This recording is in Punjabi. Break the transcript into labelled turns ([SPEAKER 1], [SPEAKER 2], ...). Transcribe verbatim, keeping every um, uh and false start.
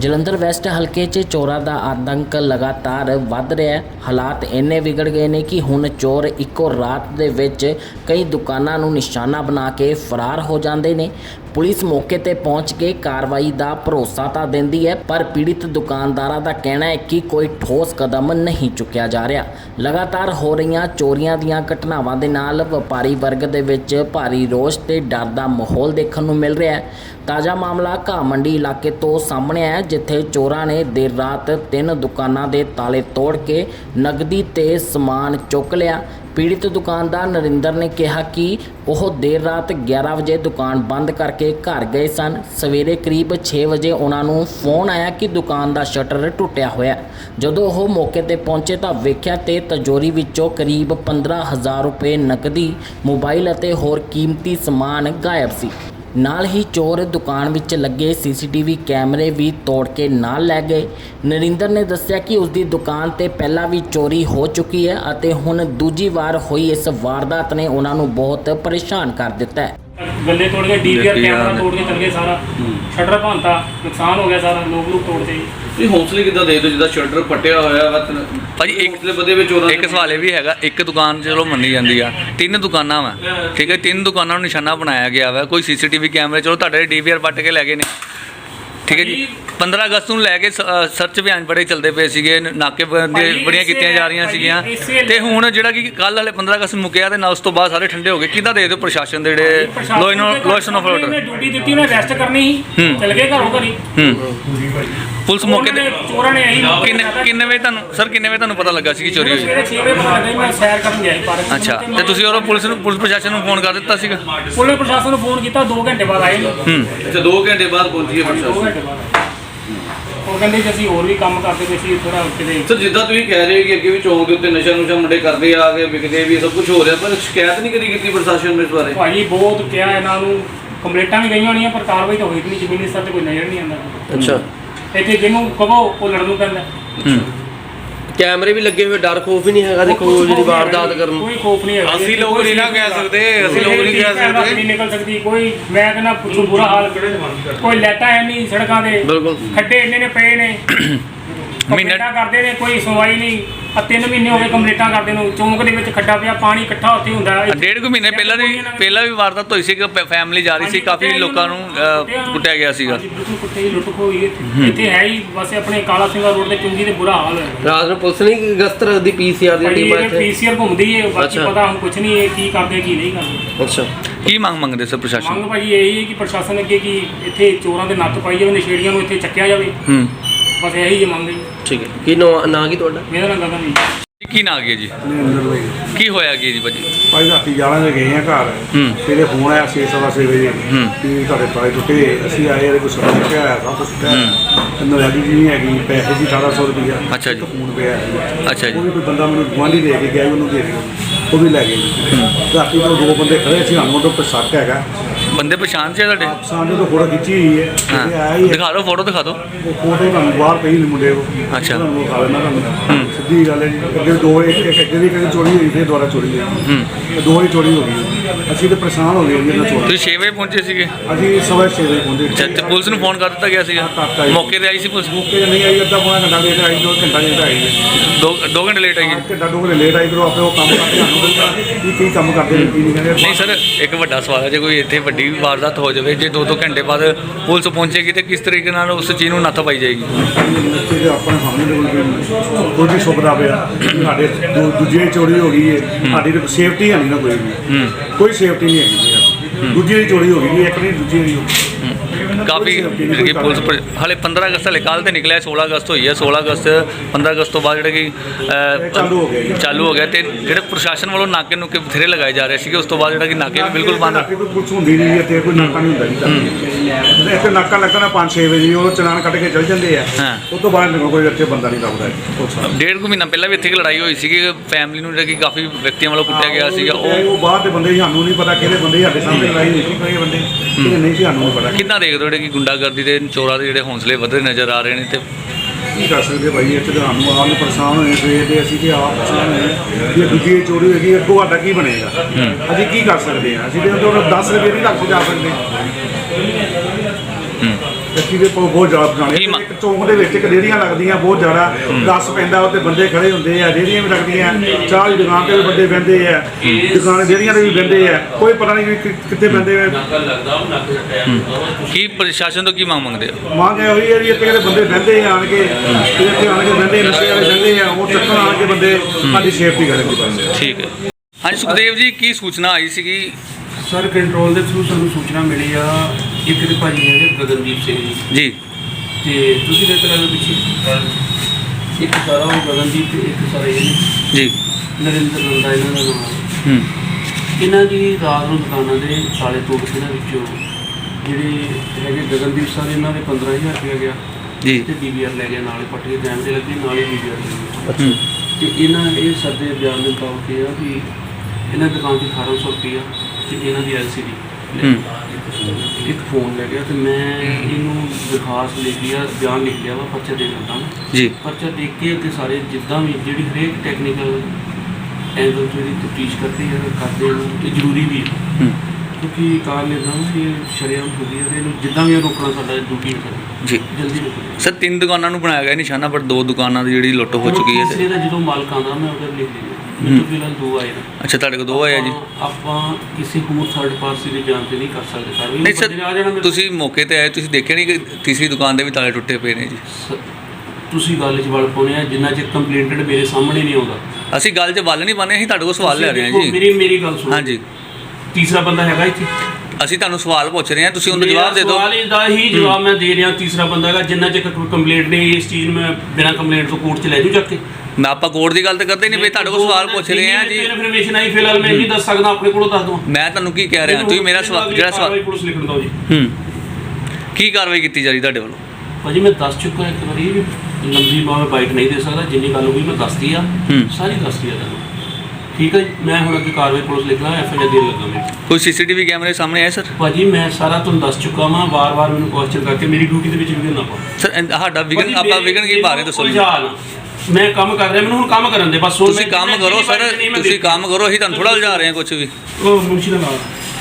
[SPEAKER 1] ਜਲੰਧਰ ਵੈਸਟ ਹਲਕੇ 'ਚ ਚੋਰਾਂ ਦਾ ਆਤੰਕ ਲਗਾਤਾਰ ਵੱਧ ਰਿਹਾ ਹੈ। ਹਾਲਾਤ ਇੰਨੇ ਵਿਗੜ ਗਏ ਨੇ ਕਿ ਹੁਣ ਚੋਰ ਇੱਕੋ ਰਾਤ ਦੇ ਵਿੱਚ ਕਈ ਦੁਕਾਨਾਂ ਨੂੰ ਨਿਸ਼ਾਨਾ ਬਣਾ ਕੇ ਫਰਾਰ ਹੋ ਜਾਂਦੇ ਨੇ। ਪੁਲਿਸ ਮੌਕੇ ਤੇ ਪਹੁੰਚ ਕੇ ਕਾਰਵਾਈ ਦਾ ਭਰੋਸਾ ਤਾਂ ਦਿੰਦੀ ਹੈ, ਪਰ ਪੀੜਿਤ ਦੁਕਾਨਦਾਰਾਂ ਦਾ ਕਹਿਣਾ ਹੈ ਕਿ ਕੋਈ ਠੋਸ ਕਦਮ ਨਹੀਂ ਚੁੱਕਿਆ ਜਾ ਰਿਹਾ। ਲਗਾਤਾਰ ਹੋ ਰਹੀਆਂ ਚੋਰੀਆਂ ਦੀਆਂ ਘਟਨਾਵਾਂ ਦੇ ਨਾਲ ਵਪਾਰੀ ਵਰਗ ਦੇ ਵਿੱਚ ਭਾਰੀ ਰੋਸ ਤੇ ਡਰ ਦਾ ਮਾਹੌਲ ਦੇਖਣ ਨੂੰ ਮਿਲ ਰਿਹਾ ਹੈ। ਤਾਜ਼ਾ ਮਾਮਲਾ ਘਾਹ ਮੰਡੀ ਇਲਾਕੇ ਤੋਂ ਸਾਹਮਣੇ ਆਇਆ, ਜਿੱਥੇ ਚੋਰਾਂ ਨੇ ਦੇਰ ਰਾਤ ਤਿੰਨ ਦੁਕਾਨਾਂ ਦੇ ਤਾਲੇ ਤੋੜ ਕੇ ਨਗਦੀ ਤੇ ਸਮਾਨ ਚੁੱਕ ਲਿਆ। ਪੀੜਿਤ ਦੁਕਾਨਦਾਰ ਨਰਿੰਦਰ ਨੇ ਕਿਹਾ ਕਿ ਉਹ ਦੇਰ ਰਾਤ ਗਿਆਰਾਂ ਵਜੇ ਦੁਕਾਨ ਬੰਦ ਕਰਕੇ ਘਰ ਗਏ ਸਨ। ਸਵੇਰੇ ਕਰੀਬ ਛੇ ਵਜੇ ਉਹਨਾਂ ਨੂੰ ਫੋਨ ਆਇਆ ਕਿ ਦੁਕਾਨ ਦਾ ਸ਼ਟਰ ਟੁੱਟਿਆ ਹੋਇਆ। ਜਦੋਂ ਉਹ ਮੌਕੇ ਤੇ ਪਹੁੰਚੇ ਤਾਂ ਵੇਖਿਆ ਤੇ ਤਿਜੋਰੀ ਵਿੱਚੋਂ ਕਰੀਬ ਪੰਦਰਾਂ ਹਜ਼ਾਰ ਰੁਪਏ ਨਕਦੀ, ਮੋਬਾਈਲ ਅਤੇ ਹੋਰ ਕੀਮਤੀ ਸਮਾਨ ਗਾਇਬ ਸੀ। ਨਾਲ ਹੀ ਚੋਰ ਦੁਕਾਨ ਵਿੱਚ ਲੱਗੇ ਸੀਸੀਟੀਵੀ ਕੈਮਰੇ ਵੀ ਤੋੜ ਕੇ ਨਾਲ ਲੈ ਗਏ। ਨਰਿੰਦਰ ਨੇ ਦੱਸਿਆ ਕਿ ਉਸ ਦੀ ਦੁਕਾਨ ਤੇ ਪਹਿਲਾਂ ਵੀ ਚੋਰੀ ਹੋ ਚੁੱਕੀ ਹੈ ਅਤੇ ਹੁਣ ਦੂਜੀ ਵਾਰ ਹੋਈ ਇਸ ਵਾਰਦਾਤ ਨੇ ਉਹਨਾਂ ਨੂੰ ਬਹੁਤ ਪਰੇਸ਼ਾਨ ਕਰ ਦਿੱਤਾ ਹੈ।
[SPEAKER 2] ਗੱਲੇ ਤੋੜ ਕੇ ਡੀਵੀਆਰ ਕੈਮਰਾ ਤੋੜ ਕੇ ਚਲ ਗਏ, ਸਾਰਾ ਸ਼ਟਰ ਭੰਨਤਾ, ਨੁਕਸਾਨ ਹੋ ਗਿਆ ਸਾਰਾ, ਲੋਕ ਲੋਕ ਤੋੜਦੇ।
[SPEAKER 3] ਇਹ ਹੌਸਲੇ ਕਿੱਦਾਂ ਦੇ ਦਿਓ ਜਿੱਦਾਂ ਸ਼ਟਰ ਪੱਟਿਆ ਹੋਇਆ ਵਾ
[SPEAKER 4] ਭਾਜੀ? ਇੱਕ ਵਧੇ ਵਿੱਚ ਇੱਕ ਸਵਾਲ ਇਹ ਵੀ ਹੈਗਾ, ਇੱਕ ਦੁਕਾਨ ਚਲੋ ਮੰਨੀ ਜਾਂਦੀ ਆ, ਤਿੰਨ ਦੁਕਾਨਾਂ ਵਾ, ਠੀਕ ਹੈ, ਤਿੰਨ ਦੁਕਾਨਾਂ ਨੂੰ ਨਿਸ਼ਾਨਾ ਬਣਾਇਆ ਗਿਆ ਵਾ। ਕੋਈ ਸੀਸੀਟੀਵੀ ਕੈਮਰੇ ਚਲੋ ਤੁਹਾਡੇ ਡੀਵੀਆਰ ਪੱਟ ਕੇ ਲੈ ਗਏ ਨੇ, ਠੀਕ ਹੈ ਜੀ। ਪੰਦਰਾਂ ਅਗਸਤ ਨੂੰ ਲੈ ਕੇ ਸਰਚ ਅਭਿਆਨ ਬੜੇ ਚੱਲਦੇ ਪਏ ਸੀਗੇ, ਨਾਕੇ ਬੜੀਆਂ ਕੀਤੀਆਂ ਜਾ ਰਹੀਆਂ ਸੀਗੀਆਂ, ਤੇ ਹੁਣ ਜਿਹੜਾ ਕਿ ਕੱਲ੍ਹ ਵਾਲੇ ਪੰਦਰਾਂ ਅਗਸਤ ਮੁੱਕਿਆ ਤੇ ਨਾ ਉਸ ਤੋਂ ਬਾਅਦ ਸਾਰੇ ਠੰਡੇ ਹੋ ਗਏ। ਕਿੱਦਾਂ ਦੇ ਦਿਓ ਪ੍ਰਸ਼ਾਸਨ ਦੇ ਜਿਹੜੇ ਲੋਇਸਨ ਆਫ ਆਰਡਰ
[SPEAKER 2] ਡਿਊਟੀ ਦਿੱਤੀ, ਉਹਨੇ ਅਰੈਸਟ ਕਰਨੀ ਸੀ, ਚਲ ਗਏ ਘਰੋਂ ਘਰੀ।
[SPEAKER 4] ਪੁਲਿਸ ਮੌਕੇ ਤੇ
[SPEAKER 2] ਚੋਰਾਂ ਨੇ ਆਹੀ
[SPEAKER 4] ਕਿੰਨੇ ਕਿੰਨੇ ਵਜੇ ਤੁਹਾਨੂੰ ਸਰ ਕਿੰਨੇ ਵਜੇ ਤੁਹਾਨੂੰ ਪਤਾ ਲੱਗਾ ਸੀ ਕਿ ਚੋਰੀ ਹੋਈ?
[SPEAKER 2] ਸਵੇਰੇ ਛੇ ਵਜੇ ਪਤਾ ਲੱਗਾ, ਮੈਂ ਸੈਰ ਕਰਨ ਗਿਆ ਸੀ ਪਾਰਕ।
[SPEAKER 4] ਅੱਛਾ, ਤੇ ਤੁਸੀਂ ਉਹ ਪੁਲਿਸ ਨੂੰ ਪੁਲਿਸ ਪ੍ਰਸ਼ਾਸਨ ਨੂੰ ਫੋਨ ਕਰ ਦਿੱਤਾ ਸੀਗਾ?
[SPEAKER 2] ਪੁਲਿਸ ਪ੍ਰਸ਼ਾਸਨ ਨੂੰ ਫੋਨ ਕੀਤਾ, ਦੋ ਘੰਟੇ ਬਾਅਦ ਆਏ ਨੇ।
[SPEAKER 3] ਅੱਛਾ, ਦੋ ਘੰਟੇ ਬਾਅਦ ਪਹੁੰਚੀ ਹੈ ਪ੍ਰਸ਼ਾਸਨ।
[SPEAKER 2] ਉਹ ਕਹਿੰਦੇ ਜੀ ਅਸੀਂ ਹੋਰ ਵੀ ਕੰਮ ਕਰਦੇ ਪਏ ਸੀ ਥੋੜਾ ਕਿਤੇ।
[SPEAKER 3] ਸਰ ਜਿੱਦਾਂ ਤੁਸੀਂ ਕਹਿ ਰਹੇ ਹੋ ਕਿ ਅੱਗੇ ਵੀ ਚੌਂਕ ਦੇ ਉੱਤੇ ਨਸ਼ਾ ਨੁਸ਼ਾ ਮੁੰਡੇ ਕਰਦੇ ਆ ਕੇ ਵਿਕਦੇ ਵੀ, ਸਭ ਕੁਝ ਹੋ ਰਿਹਾ, ਪਰ ਸ਼ਿਕਾਇਤ ਨਹੀਂ ਕਰੀ ਕੀਤੀ ਪ੍ਰਸ਼ਾਸਨ ਨੇ ਇਸ ਬਾਰੇ?
[SPEAKER 2] ਭਾਜੀ ਬਹੁਤ ਕਿਹਾ ਇਹਨਾਂ ਨੂੰ, ਕੰਪਲੇਂਟਾਂ ਵੀ ਗਈਆਂ ਹੋਣੀਆਂ, ਪਰ ਕਾਰਵਾਈ ਤਾਂ ਹੋਈ ਨਹੀਂ। ਜ਼ਮੀਨੀ ਸਤਰ ਤੇ ਕੋਈ ਨਜ਼ਰ ਨਹੀਂ ਆਉਂਦਾ।
[SPEAKER 3] ਅੱਛਾ,
[SPEAKER 2] ਇੱਥੇ ਜਿਹਨੂੰ ਕਹੋ ਉਹ ਲੜਨ ਨੂੰ ਪੈਂਦਾ।
[SPEAKER 5] ਕੈਮਰੇ ਵੀ ਲੱਗੇ ਹੋਏ, ਡਰ ਖੋਫ ਹੀ ਨਹੀਂ ਹੈਗਾ। ਦੇਖੋ ਜਿਹੜੀ ਵਾਰਦਾਤ ਕਰਨ,
[SPEAKER 2] ਕੋਈ ਖੋਫ ਨਹੀਂ ਹੈਗਾ।
[SPEAKER 4] ਅਸੀਂ ਲੋਕ ਨਹੀਂ ਨਾ ਕਹਿ ਸਕਦੇ, ਅਸੀਂ ਲੋਕ ਨਹੀਂ ਕਹਿ ਸਕਦੇ,
[SPEAKER 2] ਨਹੀਂ ਨਿਕਲ ਸਕਦੀ ਕੋਈ। ਮੈਂ ਕਹਿੰਦਾ ਪੁੱਛੋ ਬੁਰਾ ਹਾਲ, ਕੋਈ ਲੈਟਾ ਹੈ ਨਹੀਂ ਸੜਕਾਂ ਦੇ,
[SPEAKER 5] ਬਿਲਕੁਲ
[SPEAKER 2] ਖੱਡੇ ਇੰਨੇ ਨੇ ਪਏ ਨੇ, ਕੰਪਲੇਂਟਾਂ ਕਰਦੇ ਨੇ, ਕੋਈ ਸੁਣਵਾਈ ਨਹੀਂ। ਆ ਤਿੰਨ ਮਹੀਨੇ ਹੋ ਗਏ ਕੰਪਲੇਂਟਾਂ ਕਰਦੇ ਨੂੰ। ਚੌਂਕ ਦੇ ਵਿੱਚ ਖੱਡਾ ਪਿਆ, ਪਾਣੀ ਇਕੱਠਾ ਉੱਥੇ ਹੁੰਦਾ।
[SPEAKER 4] ਡੇਢ ਕੁ ਮਹੀਨੇ ਪਹਿਲਾਂ ਦੀ ਪਹਿਲਾਂ ਵੀ ਵਾਰਦਾਤ ਹੋਈ ਸੀ ਕਿ ਫੈਮਿਲੀ ਜਾ ਰਹੀ ਸੀ, ਕਾਫੀ ਲੋਕਾਂ ਨੂੰ ਕੁੱਟਿਆ ਗਿਆ ਸੀਗਾ।
[SPEAKER 2] ਬਿਲਕੁਲ ਕੁੱਟੇ ਲੁੱਟ ਖੋਈ ਇੱਥੇ ਇੱਥੇ ਹੈ ਹੀ ਬਸ। ਆਪਣੇ ਕਾਲਾ ਸਿੰਘਾ ਰੋਡ ਤੇ ਚੁੰਗੀ ਤੇ ਬੁਰਾ ਹਾਲ ਹੈ।
[SPEAKER 5] ਰਾਤ ਨੂੰ ਪੁਲਿਸ ਨਹੀਂ ਗਸ਼ਤ ਰੱਖਦੀ, ਪੀਸੀਆਰ ਦੀ ਟੀਮ ਇੱਥੇ
[SPEAKER 2] ਪੀਸੀਆਰ ਘੁੰਮਦੀ ਹੈ, ਬਾਕੀ ਪਤਾ ਹੁਣ ਕੁਝ ਨਹੀਂ ਇਹ ਕੀ ਕਰਦੇ ਕੀ ਨਹੀਂ ਕਰਦੇ।
[SPEAKER 5] ਅੱਛਾ,
[SPEAKER 4] ਕੀ ਮੰਗ ਮੰਗਦੇ ਸਰ ਪ੍ਰਸ਼ਾਸਨ?
[SPEAKER 2] ਮੰਗ ਭਾਜੀ ਇਹੀ ਹੈ ਕਿ ਪ੍ਰਸ਼ਾਸਨ ਅੱਗੇ ਕਿ ਇੱਥੇ ਚੋਰਾਂ ਦੇ ਨੱਥ ਪਾਈ ਜਾਵੇ, ਨਸ਼ੇੜੀਆਂ ਨੂੰ ਇੱਥੇ ਚੱਕਿਆ ਜਾਵੇ।
[SPEAKER 4] ਹੂੰ,
[SPEAKER 2] ਬਸ ਇਹੀ ਹੈ ਮੰਗ ਹੈ।
[SPEAKER 5] ਠੀਕ ਹੈ। ਕੀ ਨਾਂ ਨਾਂ ਕੀ ਤੁਹਾਡਾ?
[SPEAKER 2] ਮੇਰਾ ਨਾਮ ਗਗਨ ਜੀ।
[SPEAKER 4] ਕੀ ਨਾ ਗਿਆ ਜੀ? ਕੀ ਹੋਇਆ ਕੀ ਜੀ ਭਾਜੀ?
[SPEAKER 6] ਭਾਈ ਰਾਤੀ ਜਾਲਾਂ ਦੇ ਗਏ ਆ ਘਰ, ਸਵੇਰੇ ਫੋਨ ਆਇਆ ਛੇ ਸਵਾ ਛੇ ਵਜੇ ਕਿ ਤੁਹਾਡੇ ਤਾਲੇ ਟੁੱਟੇ। ਅਸੀਂ ਆਏ, ਇਹਦੇ ਕੋਈ ਸਮਾਨ ਚੁੱਕਿਆ ਹੋਇਆ, ਸਭ ਕੁਛ ਸੁੱਟਿਆ ਹੋਇਆ। ਨਰੈਲੀ ਜੀ ਨਹੀਂ ਹੈਗੀ, ਪੈਸੇ ਸੀ ਅਠਾਰਾਂ ਸੌ ਰੁਪਈਆ।
[SPEAKER 4] ਅੱਛਾ ਜੀ।
[SPEAKER 6] ਫੋਨ ਪਿਆ,
[SPEAKER 4] ਅੱਛਾ ਜੀ।
[SPEAKER 6] ਉਹ ਵੀ ਕੋਈ ਬੰਦਾ ਮੈਨੂੰ ਗੁਆਂਢੀ ਦੇ ਕੇ ਗਿਆ, ਉਹਨੂੰ ਦੇ ਕੇ ਉਹ ਵੀ ਲੈ ਗਏ। ਰਾਤੀ ਤੋਂ ਦੋ ਬੰਦੇ ਖੜੇ ਸੀ, ਸਾਨੂੰ ਉਹਦੇ ਉੱਪਰ ਸ਼ੱਕ ਹੈਗਾ।
[SPEAKER 4] ਬੰਦੇ ਪਛਾਣ ਚ ਤੁਹਾਡੇ?
[SPEAKER 6] ਸਾਹਮਣੇ ਤੋਂ ਫੋਟੋ ਖਿੱਚੀ ਹੋਈ ਹੈ, ਆਇਆ ਹੀ
[SPEAKER 4] ਦਿਖਾ ਦਿਓ, ਫੋਟੋ ਦਿਖਾ ਦਿਓ।
[SPEAKER 6] ਉਹ ਫੋਟੋ ਤੁਹਾਨੂੰ ਬਾਹਰ ਪਈ ਨਹੀਂ ਮੁੰਡੇ ਉਹ।
[SPEAKER 4] ਅੱਛਾ,
[SPEAKER 6] ਤੁਹਾਨੂੰ ਖਾ ਲੈਣਾ ਤੁਹਾਨੂੰ, ਸਿੱਧੀ ਗੱਲ ਹੈ ਜੀ। ਅੱਗੇ ਦੋ ਇੱਕ ਅੱਗੇ ਦੀ ਕਦੇ ਚੋਰੀ ਹੋਈ, ਫਿਰ ਦੁਬਾਰਾ ਚੋਰੀ ਹੋਈ, ਦੋ ਵਾਰੀ ਚੋਰੀ ਹੋ ਗਈ। ਅਸੀਂ ਤਾਂ ਪਰੇਸ਼ਾਨ ਹੋ ਗਏ ਜੀ ਇਹਨਾਂ ਚੋਰਾਂ।
[SPEAKER 4] ਤੁਸੀਂ ਛੇ ਵਜੇ ਪਹੁੰਚੇ ਸੀਗੇ?
[SPEAKER 6] ਅਸੀਂ ਸਵਾ ਛੇ ਵਜੇ ਪਹੁੰਚੇ।
[SPEAKER 4] ਅੱਛਾ, ਤੇ ਪੁਲਿਸ ਨੂੰ ਫੋਨ ਕਰ ਦਿੱਤਾ ਗਿਆ ਸੀਗਾ? ਮੌਕੇ ਤੇ ਆਈ ਸੀ ਪੁਲਿਸ?
[SPEAKER 6] ਮੌਕੇ ਤੇ ਨਹੀਂ ਆਈ, ਅੱਧਾ ਪੌਣਾ ਘੰਟਾ ਲੇਟ ਆਈ, ਦੋ ਘੰਟਾ ਲੇਟ ਆਈ ਹੈ।
[SPEAKER 4] ਦੋ ਦੋ ਘੰਟੇ ਲੇਟ ਆਈ ਹੈ?
[SPEAKER 6] ਘੰਟਾ ਦੋ ਘੰਟੇ ਲੇਟ ਆਈ, ਫਿਰ ਆਪੇ ਉਹ ਕੰਮ ਕਰਦੇ ਸਾਨੂੰ ਕੀ ਕੀ ਕੰਮ ਕਰਦੇ ਨੇ ਕੀ ਨਹੀਂ ਕਹਿੰਦੇ।
[SPEAKER 4] ਨਹੀਂ ਸਰ, ਇੱਕ ਵੱਡਾ ਸਵਾਲ ਹੈ, ਜੇ ਕੋਈ ਇੱਥੇ ਵੱਡੀ ਵਾਰਦਾਤ ਹੋ ਜਾਵੇ, ਜੇ ਦੋ ਦੋ ਘੰਟੇ ਬਾਅਦ ਪੁਲਿਸ ਪਹੁੰਚੇਗੀ ਤੇ ਕਿਸ ਤਰੀਕੇ ਨਾਲ ਉਸ ਚੀਜ਼ ਨੂੰ ਨੱਥ ਪਾਈ ਜਾਏਗੀ?
[SPEAKER 6] ਬੱਚੇ ਆਪਣੇ ਸਾਹਮਣੇ ਕੋਈ ਵੀ ਸੁਪਨਾ ਪਿਆ, ਸਾਡੇ ਦੂਜੇ ਚੋਰੀ ਹੋ ਗਈ ਹੈ, ਸਾਡੀ ਤਾਂ ਸੇਫਟੀ ਹੈ ਨਹੀਂ ਨਾ ਕੋਈ ਵੀ, ਕੋਈ ਸੇਫਟੀ ਨਹੀਂ ਹੈਗੀ। ਦੂਜੀ ਦੀ ਚੋਰੀ ਹੋ ਗਈ, ਇੱਕ ਨਹੀਂ ਦੂਜੀ ਦੀ।
[SPEAKER 4] ਕਾਫੀ ਜਿਹੜੀ ਪੁਲਿਸ ਹਾਲੇ ਪੰਦਰਾਂ ਅਗਸਤ ਹਲੇ ਕੱਲ੍ਹ ਤੇ ਨਿਕਲਿਆ, ਸੋਲਾਂ ਅਗਸਤ ਹੋਈ ਹੈ। ਸੋਲਾਂ ਅਗਸਤ ਪੰਦਰਾਂ ਅਗਸਤ ਤੋਂ ਬਾਅਦ ਜਿਹੜੇ ਕਿ
[SPEAKER 6] ਚਾਲੂ ਹੋ ਗਿਆ
[SPEAKER 4] ਚਾਲੂ ਹੋ ਗਿਆ ਤੇ ਜਿਹੜੇ ਪ੍ਰਸ਼ਾਸਨ ਵੱਲੋਂ ਨਾਕੇ ਨੂਕੇ ਬਥੇਰੇ ਲਗਾਏ ਜਾ ਰਹੇ ਸੀਗੇ, ਉਸ ਤੋਂ ਬਾਅਦ ਜਿਹੜਾ ਕਿ ਨਾਕੇ ਵੀ ਬਿਲਕੁਲ ਬੰਦ।
[SPEAKER 6] ਕੋਈ ਪੁਲਿਸ ਹੁੰਦੀ ਨਹੀਂ ਇੱਥੇ, ਕੋਈ ਨਾਕਾ ਨਹੀਂ ਹੁੰਦਾ ਜੀ। ਇੱਥੇ ਨਾਕਾ ਲੱਗਣਾ ਪੰਜ ਛੇ ਵਜੇ, ਉਹ ਚਲਾਨ ਕੱਢ ਕੇ ਚਲ ਜਾਂਦੇ ਆ। ਉਸ ਤੋਂ ਬਾਅਦ ਕੋਈ ਇੱਥੇ ਬੰਦਾ ਨਹੀਂ ਲੱਭਦਾ।
[SPEAKER 4] ਡੇਢ ਕੁ ਮਹੀਨਾ ਪਹਿਲਾਂ ਵੀ ਇੱਥੇ ਲੜਾਈ ਹੋਈ ਸੀਗੀ, ਫੈਮਿਲੀ ਨੂੰ ਜਿਹੜਾ ਕਿ ਕਾਫੀ ਵਿਅਕਤੀਆਂ ਵੱਲੋਂ ਕੁੱਟਿਆ ਗਿਆ ਸੀਗਾ।
[SPEAKER 6] ਉਹ ਬਾਹਰ ਦੇ ਬੰਦੇ, ਸਾਨੂੰ ਨਹੀਂ ਪਤਾ ਕਿਹੜੇ ਬੰਦੇ ਸਾਡੇ ਸਾਹਮਣੇ ਲੜਾਈ ਹੋਈ ਸੀ, ਕਿਹੜੇ ਬੰਦੇ ਕਿਹੜੇ ਨਹੀਂ ਸੀ, ਸਾਨੂੰ ਨਹੀਂ ਪਤਾ।
[SPEAKER 4] ਕਿੱਦਾਂ ਦੇਖਦੇ ਹੋ ਜਿਹੜੇ ਕਿ ਗੁੰਡਾਗਰਦੀ ਦੇ ਚੋਰਾਂ ਦੇ ਜਿਹੜੇ ਹੌਸਲੇ ਵਧਦੇ ਨਜ਼ਰ ਆ ਰਹੇ ਨੇ? ਤੇ
[SPEAKER 6] ਕੀ ਕਰ ਸਕਦੇ ਭਾਈ, ਇੱਥੇ ਸਾਨੂੰ ਆਪ ਨੂੰ ਪਰੇਸ਼ਾਨ ਹੋਏ ਸਵੇਰ ਦੇ, ਅਸੀਂ ਤੇ ਆਪ ਪਰੇਸ਼ਾਨ ਹੋਏ ਕਿ ਦੂਜੀ ਚੋਰੀ ਹੋਏਗੀ, ਅੱਗੋਂ ਸਾਡਾ ਕੀ ਬਣੇਗਾ? ਅਸੀਂ ਕੀ ਕਰ ਸਕਦੇ ਹਾਂ? ਅਸੀਂ ਤੇ ਦਸ ਰੁਪਏ ਨਹੀਂ ਰੱਖ ਜਾ ਸਕਦੇ। ਰੱਖੀ ਦੇ ਬਹੁਤ ਬਹੁਤ ਜ਼ਿਆਦਾ ਬਣਾਉਣੇ
[SPEAKER 4] ਕੀ ਮ-
[SPEAKER 6] ਇੱਕ ਚੌਂਕ ਦੇ ਵਿੱਚ ਇੱਕ ਰੇਹੜੀਆਂ ਲੱਗਦੀਆਂ ਬਹੁਤ ਜ਼ਿਆਦਾ ਰਸ ਪੈਂਦਾ ਉੱਤੇ ਬੰਦੇ ਖੜੇ ਹੁੰਦੇ ਆ ਰੇਹੜੀਆਂ ਵੀ ਲੱਗਦੀਆਂ ਚਾਹ ਦੀ ਦੁਕਾਨ ਤੇ ਵੀ ਬੰਦੇ ਬਹਿੰਦੇ ਆ ਦੁਕਾਨ ਰੇਹੜੀਆਂ ਤੇ ਵੀ ਬਹਿੰਦੇ ਆ ਕੋਈ ਪਤਾ ਨਹੀਂ ਕਿ ਕਿੱਥੇ ਬਹਿੰਦੇ ਆ
[SPEAKER 4] ਕੀ ਪ੍ਰਸ਼ਾਸਨ ਤੋਂ ਕੀ ਮੰਗ ਮੰਗਦੇ ਹੋ?
[SPEAKER 6] ਮੰਗ ਇਹ ਹੋਈ ਹੈ ਜੀ ਇੱਥੇ ਕਿਹੜੇ ਬੰਦੇ ਬਹਿੰਦੇ ਆ ਆਣ ਕੇ ਤੇ ਇੱਥੇ ਆਣ ਕੇ ਬਹਿੰਦੇ ਨਸ਼ੇ ਵਾਲੇ ਬਹਿੰਦੇ ਆ ਉਹ ਚੱਕਣ ਆਣ ਕੇ ਬੰਦੇ ਸਾਡੀ ਸੇਫਟੀ ਕਰਨਗੇ।
[SPEAKER 4] ਠੀਕ ਹੈ। ਹਾਂਜੀ ਸੁਖਦੇਵ ਜੀ, ਕੀ ਸੂਚਨਾ ਆਈ ਸੀਗੀ?
[SPEAKER 7] ਸਰ ਕੰਟਰੋਲ ਦੇ ਥਰੂ ਸਾਨੂੰ ਸੂਚਨਾ ਮਿਲੀ ਆ ਇੱਕ ਤੇ ਭਾਜੀ ਹੈਗੇ ਗਗਨਦੀਪ ਸਿੰਘ ਜੀ
[SPEAKER 4] ਜੀ
[SPEAKER 7] ਤੇ ਤੁਸੀਂ ਦੇਖ ਰਹੇ ਹੋ ਪਿੱਛੇ ਇੱਕ ਸਾਰਾ ਉਹ ਗਗਨਦੀਪ ਤੇ ਇੱਕ ਸਾਰਾ ਇਹ ਨੇ,
[SPEAKER 4] ਜੀ
[SPEAKER 7] ਨਰਿੰਦਰ ਨੰਦਾ ਇਹਨਾਂ ਦਾ ਨਾਮ ਹੈ।
[SPEAKER 4] ਹੂੰ
[SPEAKER 7] ਇਹਨਾਂ ਦੀ ਰਾਤ ਨੂੰ ਦੁਕਾਨਾਂ ਦੇ ਤਾਲੇ ਤੋੜ ਕੇ ਇਹਨਾਂ ਵਿੱਚੋਂ ਜਿਹੜੇ ਹੈਗੇ ਗਗਨਦੀਪ ਸਰ ਇਹਨਾਂ ਦੇ ਪੰਦਰਾਂ ਹਜ਼ਾਰ ਰੁਪਇਆ ਗਿਆ
[SPEAKER 4] ਜੀ
[SPEAKER 7] ਤੇ ਡੀ ਵੀ ਆਰ ਲੈ ਗਿਆ, ਨਾਲੇ ਪੱਟੇ ਕੈਮਰੇ ਲੱਗੇ, ਨਾਲੇ ਡੀ ਵੀ ਆਰ ਲੱਗੇ।
[SPEAKER 4] ਹੂੰ
[SPEAKER 7] ਤੇ ਇਹਨਾਂ ਇਹ ਸਾਡੇ ਬਿਆਨ ਦੇ ਮੁਤਾਬਕ ਇਹ ਆ ਵੀ ਇਹਨਾਂ ਦੀ ਦੁਕਾਨ 'ਤੇ ਅਠਾਰਾਂ ਸੌ ਰੁਪਇਆ ਤੇ ਇਹਨਾਂ ਦੀ ਐਲ ਸੀ ਡੀ
[SPEAKER 4] ਹੂੰ
[SPEAKER 7] ਇੱਕ ਫੋਨ ਲੈ ਗਿਆ ਤੇ ਮੈਂ ਇਹਨੂੰ ਦਰਖਾਸਤ ਲਿਖ ਲਿਆ, ਬਿਆਨ ਲਿਖ ਲਿਆ ਵਾ, ਪਰਚਾ ਦੇ ਦਿੰਦਾ ਮੈਂ।
[SPEAKER 4] ਜੀ
[SPEAKER 7] ਪਰਚਾ ਦੇਖ ਕੇ ਅੱਗੇ ਸਾਰੇ ਜਿੱਦਾਂ ਵੀ ਜਿਹੜੀ ਹਰੇਕ ਟੈਕਨੀਕਲ ਐਂਗਲ ਤੋਂ ਇਹਦੀ ਤਫਤੀਸ਼ ਕਰਦੇ ਆ ਕਰਦੇ ਆ ਇਹ ਜ਼ਰੂਰੀ ਵੀ ਹੈ
[SPEAKER 4] ਹੂੰ
[SPEAKER 7] ਕਿਉਂਕਿ ਕਾਰਨ ਇੱਦਾਂ ਵੀ ਇਹ ਸ਼ਰੇਆਮ ਹੋ ਗਈ ਹੈ ਤੇ ਇਹਨੂੰ ਜਿੱਦਾਂ ਵੀ ਇਹ ਰੋਕਣਾ ਸਾਡਾ ਡਿਊਟੀ ਹੈ ਸਾਡੀ,
[SPEAKER 4] ਜੀ
[SPEAKER 7] ਜਲਦੀ ਰੋਕਣਾ।
[SPEAKER 4] ਸਰ, ਤਿੰਨ ਦੁਕਾਨਾਂ ਨੂੰ ਬਣਾਇਆ ਗਿਆ ਨਿਸ਼ਾਨਾ, ਪਰ ਦੋ ਦੁਕਾਨਾਂ ਦੀ ਜਿਹੜੀ ਲੁੱਟ ਹੋ ਚੁੱਕੀ ਹੈ
[SPEAKER 7] ਤੀਸਰੇ
[SPEAKER 4] ਤੇ
[SPEAKER 7] ਦਾ ਜਦੋਂ ਮਾਲਕ ਆਉਂਦਾ ਮੈਂ ਉਹਦਾ ਲਿਖ ਦਿੰਦਾ ਮੈਨੂੰ ਤਾਂ ਫਿਲਹਾਲ ਦੋ ਆਏ ਨੇ।
[SPEAKER 4] ਅੱਛਾ, ਤੁਹਾਡੇ ਕੋਲ ਦੋ ਆਏ ਆ ਜੀ?
[SPEAKER 7] ਆਪਾਂ- ਆਪਾਂ ਕਿਸੇ ਹੋਰ ਥਰਡ ਪਾਰਟੀ ਦੀ ਜਾਣ ਤੇ ਨਹੀਂ ਕਰ ਸਕਦੇ ਕਾਰਵਾਈ।
[SPEAKER 4] ਨਹੀਂ
[SPEAKER 7] ਬੰਦੇ ਨੇ ਆ ਜਾਣਾ
[SPEAKER 4] ਸਰ,
[SPEAKER 7] ਮੇਰੇ
[SPEAKER 4] ਤੁਸੀਂ ਮੌਕੇ ਤੇ ਆਏ, ਤੁਸੀਂ ਦੇਖਿਆ ਨਹੀਂ ਕਿ ਤੀਸਰੀ ਦੁਕਾਨ ਦੇ ਵੀ ਤਾਲੇ ਟੁੱਟੇ ਪਏ ਨੇ ਜੀ?
[SPEAKER 7] ਸ- ਤੁਸੀਂ ਗੱਲ 'ਚ ਵੜ ਪਾਉਂਦੇ ਆ ਜਿੰਨਾ ਚਿਰ ਕੰਪਲੇਂਟਡ ਮੇਰੇ ਸਾਹਮਣੇ ਨਹੀਂ ਆਉਂਦਾ।
[SPEAKER 4] ਅਸੀਂ ਗੱਲ 'ਚ ਵੱਲ ਨਹੀਂ ਪਾਉਂਦੇ, ਅਸੀਂ ਤੁਹਾਡੇ ਕੋਲ ਸਵਾਲ ਲੈ ਰਹੇ
[SPEAKER 7] ਦੇਖੋ,
[SPEAKER 4] ਹਾਂ ਜੀ।
[SPEAKER 7] ਮੇਰੀ ਮੇਰੀ ਗੱਲ ਸੁਣੋ।
[SPEAKER 4] ਹਾਂਜੀ,
[SPEAKER 7] ਤੀਸਰਾ ਬੰਦਾ ਹੈਗਾ ਇੱਥੇ?
[SPEAKER 4] ਅਸੀਂ ਤੁਹਾਨੂੰ ਸਵਾਲ ਪੁੱਛ ਰਹੇ ਹਾਂ, ਤੁਸੀਂ ਉਹਨੂੰ
[SPEAKER 7] ਮੇਰਾ
[SPEAKER 4] ਜਵਾਬ ਦੇ ਦਿਓ।
[SPEAKER 7] ਸਵਾਲ ਇਹਦਾ ਹੀ ਜਵਾਬ ਮੈਂ ਦੇ ਰਿਹਾ। ਤੀਸਰਾ ਬੰਦਾ ਹੈਗਾ, ਜਿੰਨਾ ਚਿਰ ਕੋਈ ਕੰਪਲੇਂਟ ਨਹੀਂ ਇਸ ਚੀਜ਼ ਨੂੰ ਮੈਂ ਬਿਨਾਂ ਕੰਪਲੇਂਟ ਤੋਂ ਕੋਰਟ 'ਚ ਲੈ ਜੂ ਜਾ ਕੇ।
[SPEAKER 4] ਮੈਂ ਆਪਾਂ ਕੋਰਟ ਦੀ ਗੱਲ ਤਾਂ ਕਰਦੇ ਨਹੀਂ ਪਏ, ਤੁਹਾਡੇ ਕੋਲ ਸਵਾਲ ਪੁੱਛ ਰਹੇ ਹਾਂ ਜੀ।
[SPEAKER 7] ਇਨਫੋਰਮੇਸ਼ਨ ਆਈ ਫਿਲਹਾਲ ਮੈਂ ਨਹੀਂ ਦੱਸ ਸਕਦਾ, ਆਪਣੇ ਕੋਲੋਂ ਦੱਸ ਦਵਾਂ।
[SPEAKER 4] ਮੈਂ ਤੁਹਾਨੂੰ ਕੀ ਕਹਿ ਰਿਹਾ, ਤੁਸੀਂ ਮੇਰਾ ਸਵਾਲ ਜਿਹੜਾ ਸਵਾਲ
[SPEAKER 7] ਪੁਲਿਸ ਲਿਖਣ ਦਿਓ ਜੀ।
[SPEAKER 4] ਹੂੰ ਕੀ ਕਾਰਵਾਈ ਕੀਤੀ ਜਾ ਰਹੀ ਤੁਹਾਡੇ ਵੱਲੋਂ?
[SPEAKER 7] ਭਾਜੀ ਮੈਂ ਦੱਸ ਚੁੱਕਾ ਇੱਕ ਵਾਰੀ ਵੀ ਲੰਬੀ ਮੈਂ ਬਾਈਟ ਨਹੀਂ ਦੇ ਸਕਦਾ, ਜਿੰਨੀ ਗੱਲ ਹੋਈ ਮੈਂ ਦੱਸਦੀ ਆ,
[SPEAKER 4] ਹੂੰ।
[SPEAKER 7] ਸਾਰੀ ਦੱਸਦੀ ਆ ਤੁਹਾਨੂੰ। ਠੀਕ ਹੈ ਜੀ, ਮੈਂ ਹੁਣ ਅੱਗੇ ਕਾਰਵਾਈ ਪੁਲਿਸ ਲਿਖ ਲਾਂ, ਐਫ ਆਈ ਆਰ ਦੇਣ ਲੱਗਾ ਮੈਂ।
[SPEAKER 4] ਕੋਈ ਸੀਸੀਟੀਵੀ ਕੈਮਰੇ ਸਾਹਮਣੇ ਆਏ ਸਰ?
[SPEAKER 7] ਭਾਜੀ ਮੈਂ ਸਾਰਾ ਤੁਹਾਨੂੰ ਦੱਸ ਚੁੱਕਾ ਵਾਂ, ਵਾਰ-ਵਾਰ ਮੈਨੂੰ ਕੁਐਸਚਨ ਕਰਕੇ ਮੇਰੀ ਡਿਊਟੀ ਦੇ ਵਿੱਚ ਵਿਘਨ ਨਾ ਪਾਓ।
[SPEAKER 4] ਸਰ, ਇਹ ਸਾਡਾ ਵਿਗਨ
[SPEAKER 7] ਭਾਜੀ,
[SPEAKER 4] ਆਪਾਂ
[SPEAKER 7] ਮੇਰੇ-
[SPEAKER 4] ਵਿਗਨ ਕੀ ਪਾ ਰਹੇ ਦੱਸੋ ਜੀ?
[SPEAKER 7] ਉਲਝਾ ਨਾ। ਮੈਂ ਕੰਮ ਕਰ ਰਿਹਾ, ਮੈਨੂੰ ਹੁਣ ਕੰਮ ਕਰਨ ਦੇ ਬਸ।
[SPEAKER 4] ਤੁਸੀਂ ਕੰਮ ਕਰੋ ਸਰ, ਤੁਸੀਂ ਕੰਮ ਕਰੋ, ਅਸੀਂ ਤੁਹਾਨੂੰ ਥੋੜਾ ਉਲਝਾ ਰਹੇ ਹਾਂ ਕੁਝ ਵੀ।
[SPEAKER 7] ਉਹ ਮੁਨਸ਼ੀ ਦਾ ਨਾਮ